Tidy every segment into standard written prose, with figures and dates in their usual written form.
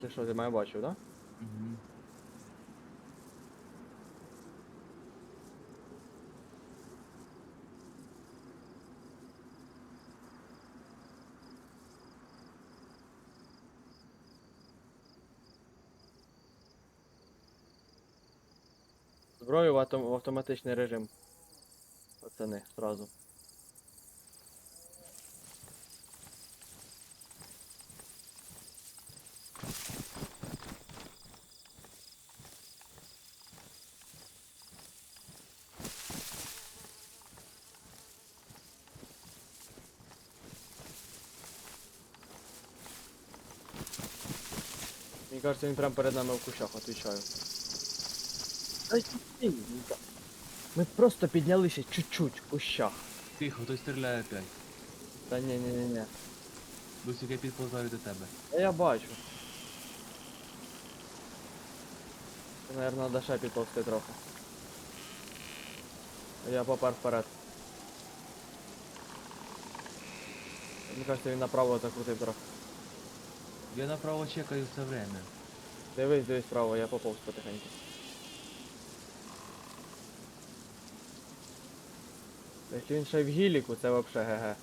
Ти що, ти мене бачив, да? Угу. Зброю в автоматичний режим. Пацани, сразу. Мені кажется, він прямо перед нами в кущах, отвечаю. Ми просто піднялися чуть-чуть в кущах. Тихо, хтось стріляє опять. Та ні. Досі я підповзаю до тебе. Та я бачу. Ти, наверное, надо ще підповзти трохи. Я попер вперед. Мені кажется, він направо закрутив трохи. Я направо чекаю все время. Дивись вправо, я поповз потихеньку. Якщо він ще й в гіліку, це вообще ГГ.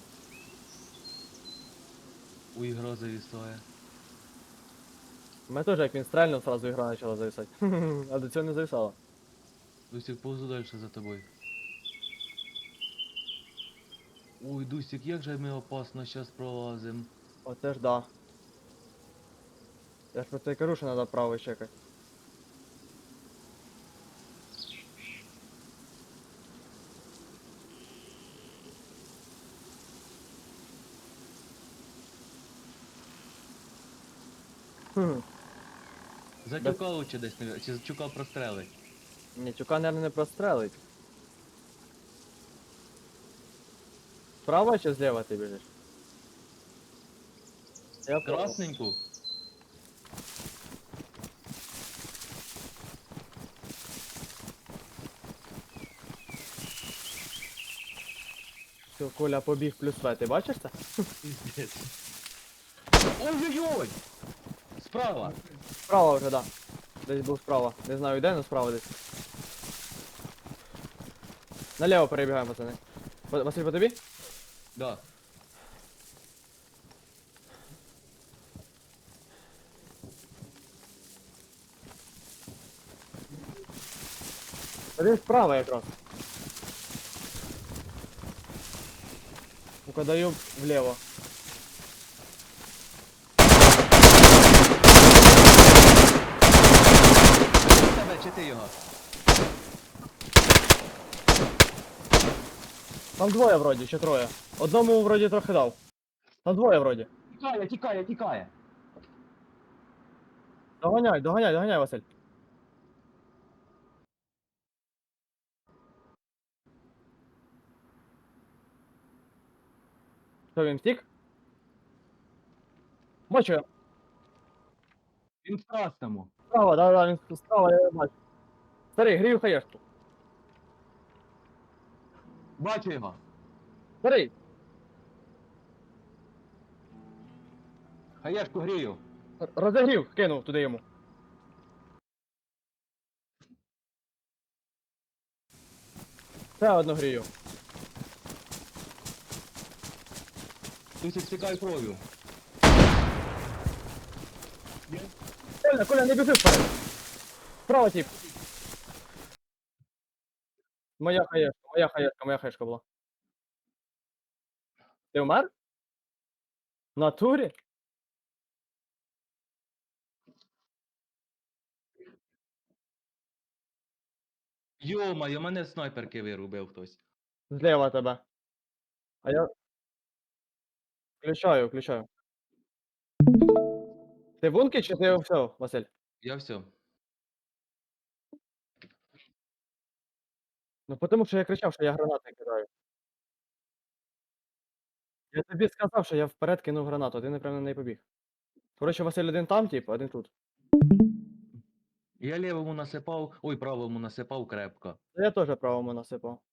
У ігро завісає. У мене теж як він стрельнув, сразу ігра почала зависати. А до цього не зависала. Дусік, повзу далі за тобою. Ой, Дусік, як же ми опасно зараз пролазим. Оце ж да. Я ж про це й кажу, що треба право чекати. Хм. За тюка лучше десь не... Чи за тюка прострелить? Ні, тюка, наверное, не прострелить. Справа чи зліва ти біжиш? Я право. Красненьку? Все, Коля побіг плюс В, ти бачиш це? Піздець. Ой-ой-ой! Справа! Справа вже, да. Десь був справа. Не знаю де, але справа десь. Наліво перебігаємо, пацани. Василь, по тобі? Да. Та він справа якраз. Ну-ка даю вліво. Тебе чи ти його? Там двоє вроді, чи троє. Одному вроді трохи дав. Там двоє вроді. Тікає! Доганяй, Василь. Що він втік? Бачу я. Він в красному. Справа, да, він справа, я його бачу. Старий, грію хаєшку. Бачу його. Старий, Хаєшку грію. розігрів, кинув туди йому. Ще одну грію. Дусік, стікай кров'ю. Коля, не біжи вперед. Справа тип. Моя хаєшка була. Ти вмер? В натурі? Йо-моє, мене з снайперки вирубив хтось. Зліва тебе. А я включаю. Ти бунки чи ти все, Василь? Я все. Ну тому що я кричав, що я гранати кидаю. Я тобі сказав, що я вперед кинув гранату, а ти напевно на неї побіг. Коротше, Василь один там, тип, один тут. Я лівому насипав, ой, правому насипав крепко. Та я теж правому насипав.